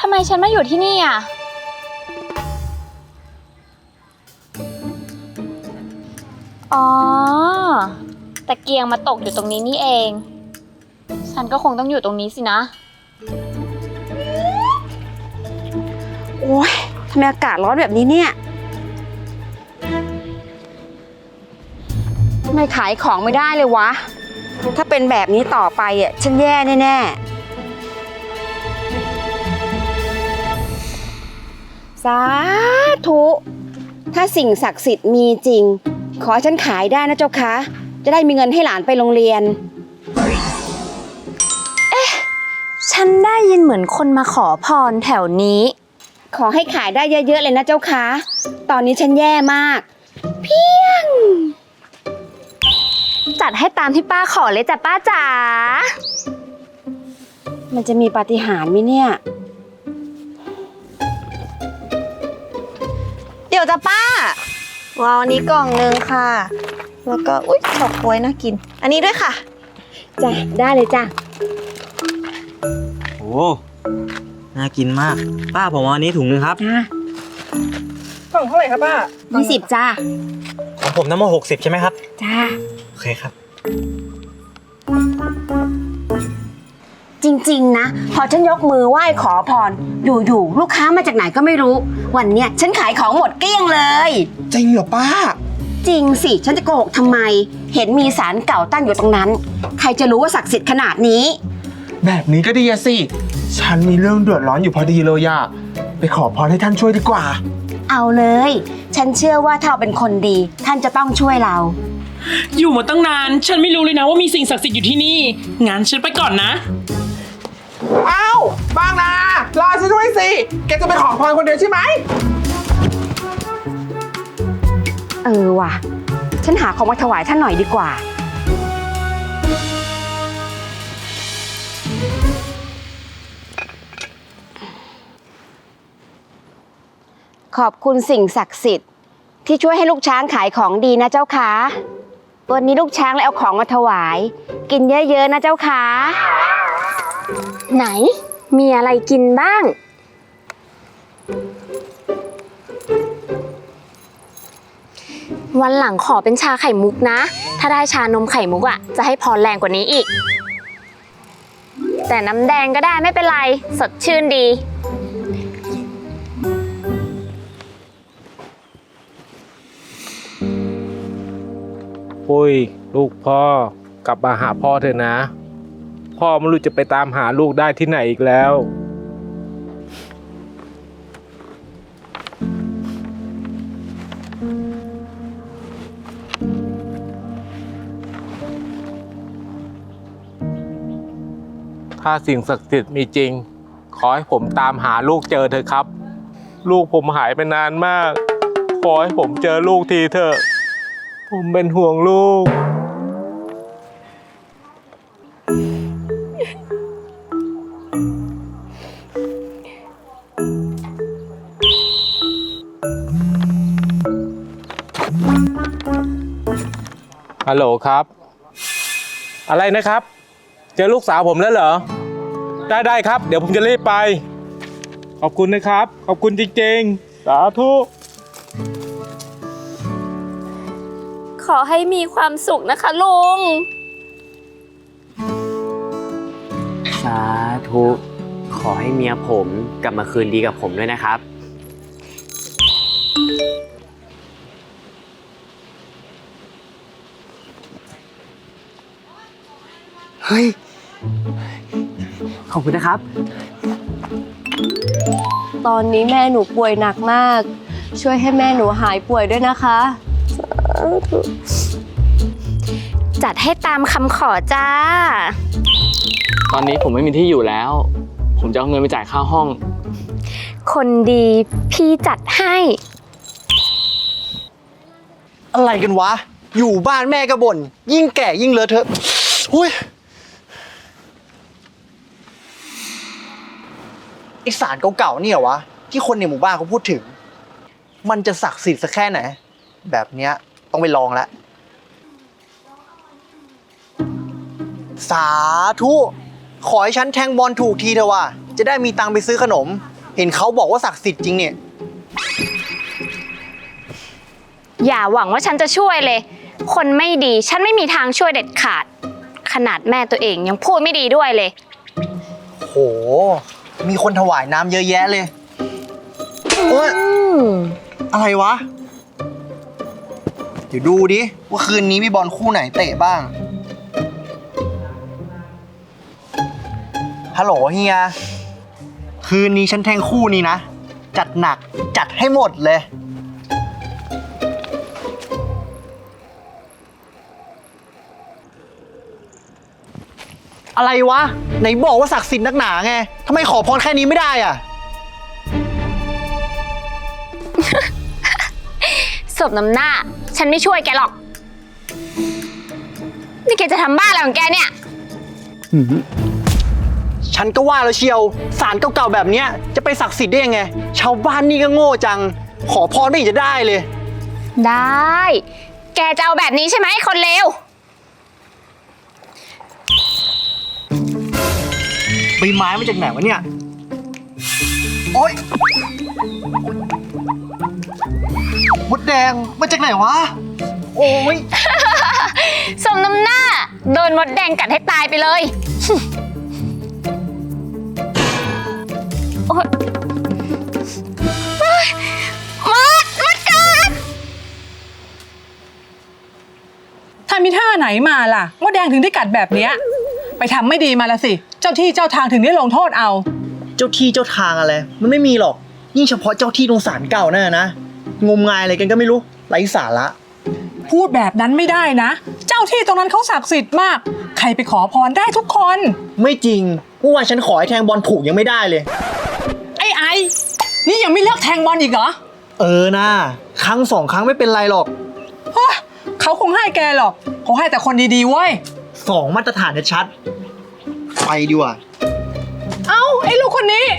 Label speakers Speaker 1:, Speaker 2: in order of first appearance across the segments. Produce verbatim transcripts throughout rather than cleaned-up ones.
Speaker 1: ไมฉันมาอยู่ที่นี่อ่ะอ๋อตะเกียงมาตกอยู่ตรงนี้นี่เองฉันก็คงต้องอยู่ตรงนี้สินะ
Speaker 2: โอ๊ยทำไมอากาศร้อนแบบนี้เนี่ยทำไมขายของไม่ได้เลยวะถ้าเป็นแบบนี้ต่อไปอ่ะฉันแย่แน่ๆสาธุถ้าสิ่งศักดิ์สิทธิ์มีจริงขอให้ฉันขายได้นะเจ้าคะจะได้มีเงินให้หลานไปโรงเรียน
Speaker 1: ฉันได้ยินเหมือนคนมาขอพรแถวนี้
Speaker 2: ขอให้ขายได้เยอะๆเลยนะเจ้าคะตอนนี้ฉันแย่มากเพียง
Speaker 1: จัดให้ตามที่ป้าขอเลยจ้ะป้าจ๋า
Speaker 2: มันจะมีปาฏิหาริย์ไหมเนี่ย
Speaker 3: เดี๋ยวจ้ะป้าว้าวอันนี้กล่องนึงค่ะแล้วก็อุ๊ยดอกบ๊วยน่ากินอันนี้ด้วยค่ะ
Speaker 2: จ้ะได้เลยจ้ะ
Speaker 4: โอ้น่ากินมากป้าผมเอาอันนี้ถุงนึงครับ
Speaker 3: กล่องเท่าไหร่ครับป้า
Speaker 2: ยี่สิบจ้ะ
Speaker 4: ของผมน้ำมันหกสิบใช่ไหมครับ
Speaker 2: จ้า
Speaker 4: โอเคครับ
Speaker 2: จริงๆนะพอฉันยกมือไหว้ขอพรอยู่ๆลูกค้ามาจากไหนก็ไม่รู้วันเนี้ยฉันขายของหมดเกลี้ยงเลย
Speaker 5: จริงเหรอป้า
Speaker 2: จริงสิฉันจะโกหกทำไมเห็นมีศาลเก่าตั้งอยู่ตรงนั้นใครจะรู้ว่าศักดิ์สิทธิ์ขนาดนี้
Speaker 5: แบบนี้ก็ดีอะสิฉันมีเรื่องเดือดร้อนอยู่พอดีเลยอะไปขอพรให้ท่านช่วยดีกว่า
Speaker 2: เอาเลยฉันเชื่อว่าถ้าเราเป็นคนดีท่านจะต้องช่วยเรา
Speaker 6: อยู่มาตั้งนานฉันไม่รู้เลยนะว่ามีสิ่งศักดิ์สิทธิ์อยู่ที่นี่งั้นฉันไปก่อนนะ
Speaker 5: อ้าวบางนารอฉันด้วยสิแกจะไปขอพรคนเดียวใช่ไหม
Speaker 2: เออว่ะฉันหาของมาถวายท่านหน่อยดีกว่าขอบคุณสิ่งศักดิ์สิทธิ์ที่ช่วยให้ลูกช้างขายของดีนะเจ้าค่ะวันนี้ลูกช้างเลยเอาของมาถวายกินเยอะๆนะเจ้าค่ะ
Speaker 1: ไหนมีอะไรกินบ้างวันหลังขอเป็นชาไข่มุกนะถ้าได้ชานมไข่มุกอ่ะจะให้พรแรงกว่านี้อีกแต่น้ำแดงก็ได้ไม่เป็นไรสดชื่นดี
Speaker 7: ปุ้ยลูกพ่อกลับมาหาพ่อเถอะนะพ่อไม่รู้จะไปตามหาลูกได้ที่ไหนอีกแล้วถ้าสิ่งศักดิ์สิทธิ์มีจริงขอให้ผมตามหาลูกเจอเถอะครับลูกผมหายไปนานมากขอให้ผมเจอลูกทีเถอะผมเป็นห่วงลูกฮัลโหลครับอะไรนะครับเจอลูกสาวผมแล้วเหรอได้ได้ครับเดี๋ยวผมจะรีบไปขอบคุณนะครับขอบคุณจริงๆสาธุ
Speaker 1: ขอให้มีความสุขนะคะลุง
Speaker 4: สาธุขอให้เมียผมกลับมาคืนดีกับผมด้วยนะครับเฮ้ยขอบคุณนะครับ
Speaker 3: ตอนนี้แม่หนูป่วยหนักมากช่วยให้แม่หนูหายป่วยด้วยนะคะ
Speaker 1: จัดให้ตามคำขอจ้า
Speaker 4: ตอนนี้ผมไม่มีที่อยู่แล้วผมจะเอาเงินไปจ่ายค่าห้อง
Speaker 1: คนดีพี่จัดให้
Speaker 8: อะไรกันวะอยู่บ้านแม่ก็บ่นยิ่งแก่ยิ่งเลอะเทอะหุ้ยไอสารเก่าๆเนี่ยวะที่คนในหมู่บ้านเขาพูดถึงมันจะศักดิ์สิทธิ์สักแค่ไหนแบบเนี้ยต้องไปลองแล้วสาธุขอให้ฉันแทงบอลถูกทีเถอะวะจะได้มีตังค์ไปซื้อขนมเห็นเขาบอกว่าศักดิ์สิทธิ์จริงเนี่ย
Speaker 1: อย่าหวังว่าฉันจะช่วยเลย คนไม่ดีฉันไม่มีทางช่วยเด็ดขาด ขนาดแม่ตัวเองยังพูดไม่ดีด้วยเลย
Speaker 8: โห มีคนถวายน้ำเยอะแยะเลยโอ๊ยอะไรวะ เดี๋ยวดูดิ ว่าคืนนี้มีบอลคู่ไหนเตะบ้าง ฮัลโหลเฮีย คืนนี้ฉันแทงคู่นี้นะ จัดหนักจัดให้หมดเลย อะไรวะ ไหนบอกว่าศักดิ์สิทธิ์นักหนาไงทำไมขอพรแค่นี้ไม่ได้อ่ะ
Speaker 1: สบน้ำหน้า ฉันไม่ช่วยแกหรอก นี่แกจะทำบ้าอะไรของแกเนี่ย
Speaker 8: ฉันก็ว่าแล้วเชียวสารเก่าๆแบบเนี้ยจะไปศักดิ์สิทธิ์ได้ยังไง ชาวบ้านนี่ก็โง่จัง ขอพรไม่เห็นจะได้เลย
Speaker 1: ได้ แกจะเอาแบบนี้ใช่ไหมคนเลว
Speaker 8: ใบไม้มาจากไหนวะเนี่ย โอ๊ยมดแดงมาจากไหนวะ โอ้ย
Speaker 1: สมน้ำหน้า โดนมดแดงกัดให้ตายไปเลย โอ๊ยเฮ้ยมดมดกัด
Speaker 9: ทำมีท่าไหนมาล่ะมดแดงถึงได้กัดแบบเนี้ยไปทำไม่ดีมาละสิ เจ้าที่เจ้าทางถึงได้ลงโทษเอา
Speaker 8: เจ้าที่เจ้าทางอะไร มันไม่มีหรอก ยิ่งเฉพาะเจ้าที่ตรงศาลเก่านั่นนะ งมงายอะไรกันก็ไม่รู้ ไร้สาระ
Speaker 9: พูดแบบนั้นไม่ได้นะ เจ้าที่ตรงนั้นเขาศักดิ์สิทธิ์มาก ใครไปขอพรได้ทุกคน
Speaker 8: ไม่จริงเมื่อวานฉันขอให้แทงบอลถูกยังไม่ได้เลย
Speaker 9: ไอ้ไอ้นี่ยังไม่เลิกแทงบอลอีกเหรอ
Speaker 8: เออนะครั้งสองครั้งไม่เป็นไรหรอก
Speaker 9: เฮ้ยเขาคงให้แกหรอกเขาให้แต่คนดีๆเว้ย
Speaker 8: สองมาตรฐานชัดไปดีกว่า
Speaker 9: เอ้าไอ้ลูกคนนี้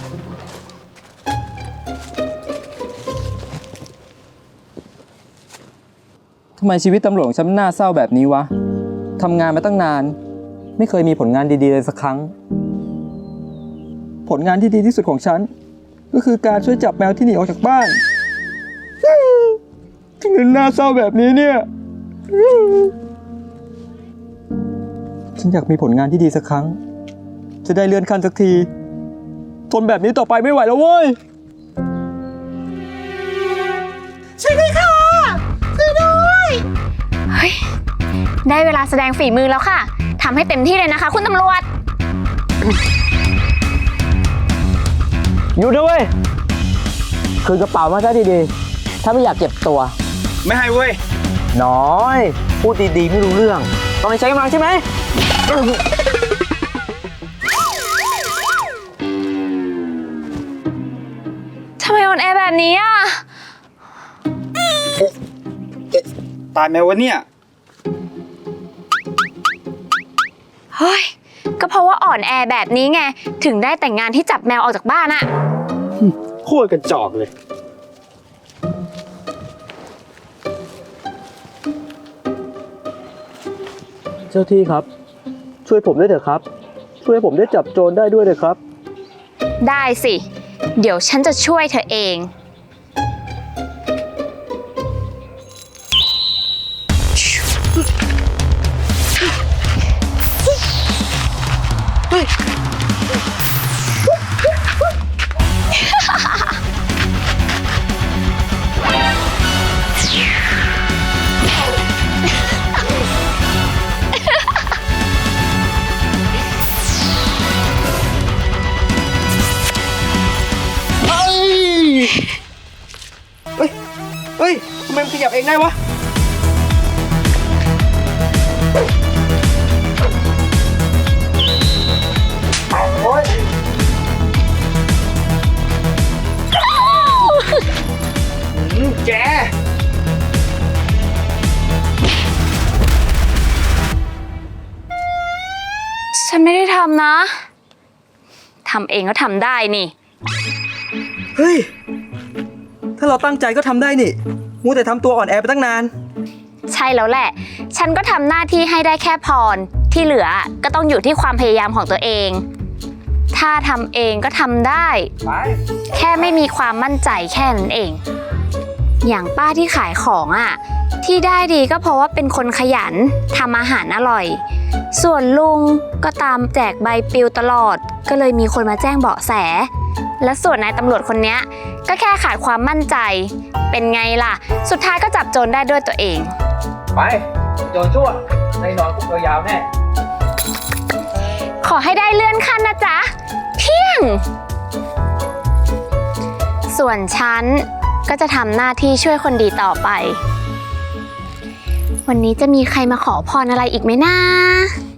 Speaker 10: ทำไมชีวิตตำรวจของฉันน่าเศร้าแบบนี้วะ ทำงานมาตั้งนาน ไม่เคยมีผลงานดีๆเลยสักครั้ง ผลงานที่ดีที่สุดของฉัน ก็คือการช่วยจับแมวที่หนีออกจากบ้านถึงได้น่าเศร้าแบบนี้เนี่ย ฉันอยากมีผลงานที่ดีสักครั้ง จะได้เลื่อนขั้นสักที ทนแบบนี้ต่อไปไม่ไหวแล้วเว้ย
Speaker 1: เฮ้ย ได้เวลาแสดงฝีมือแล้วค่ะ ทำให้เต็มที่เลยนะคะ คุณตำรวจ
Speaker 4: อยู่ด้วยเวยคืนกระเป๋ามาซะดีๆ ถ้าไม่อยากเจ็บตัว
Speaker 5: ไม่ให้เว้ย
Speaker 4: น้อย พูดดีๆ ไม่รู้เรื่อง ต้องใช้กำลังใช่ไหม
Speaker 1: ทำไมอ่อนแอแบบนี้อ่ะ
Speaker 5: ตายไหมวะเนี่ย
Speaker 1: เฮ้ย ก็เพราะว่าอ่อนแอแบบนี้ไง ถึงได้แต่งงานที่จับแมวออกจากบ้านอะ
Speaker 5: โคตรกระจอกเลย
Speaker 10: เจ้าที่ครับ ช่วยผมด้วยเถอะครับ ช่วยผมได้จับโจรได้ด้วยเถอะครับ
Speaker 1: ได้สิ เดี๋ยวฉันจะช่วยเธอเอง
Speaker 8: เฮ้ย ทำไมมันขยับเองได้วะ โอ๊ย อืมแก
Speaker 1: ฉันไม่ได้ทำนะ ทำเองก็ทำได้นี่
Speaker 10: เฮ้ย ถ้าเราตั้งใจก็ทำได้นี่มัวแต่ทำตัวอ่อนแอไปตั้งนาน
Speaker 1: ใช่แล้วแหละ ฉันก็ทำหน้าที่ให้ได้แค่พร ที่เหลือก็ต้องอยู่ที่ความพยายามของตัวเองถ้าทำเองก็ทำได้ แค่ไม่มีความมั่นใจแค่นั้นเอง อย่างป้าที่ขายของอ่ะ ที่ได้ดีก็เพราะว่าเป็นคนขยันทำอาหารอร่อย ส่วนลุงก็ตามแจกใบปลิวตลอด ก็เลยมีคนมาแจ้งเบาะแส และส่วนนายตำรวจคนเนี้ยก็แค่ขาดความมั่นใจ เป็นไงล่ะ สุดท้ายก็จับโจรได้ด้วยตัวเอง
Speaker 4: ไป โจรชั่วในนอนคุกยาวๆแน่
Speaker 1: ขอให้ได้เลื่อนขั้นนะจ๊ะ เพียง ส่วนฉันก็จะทำหน้าที่ช่วยคนดีต่อไป วันนี้จะมีใครมาขอพรอะไรอีกไหมนะ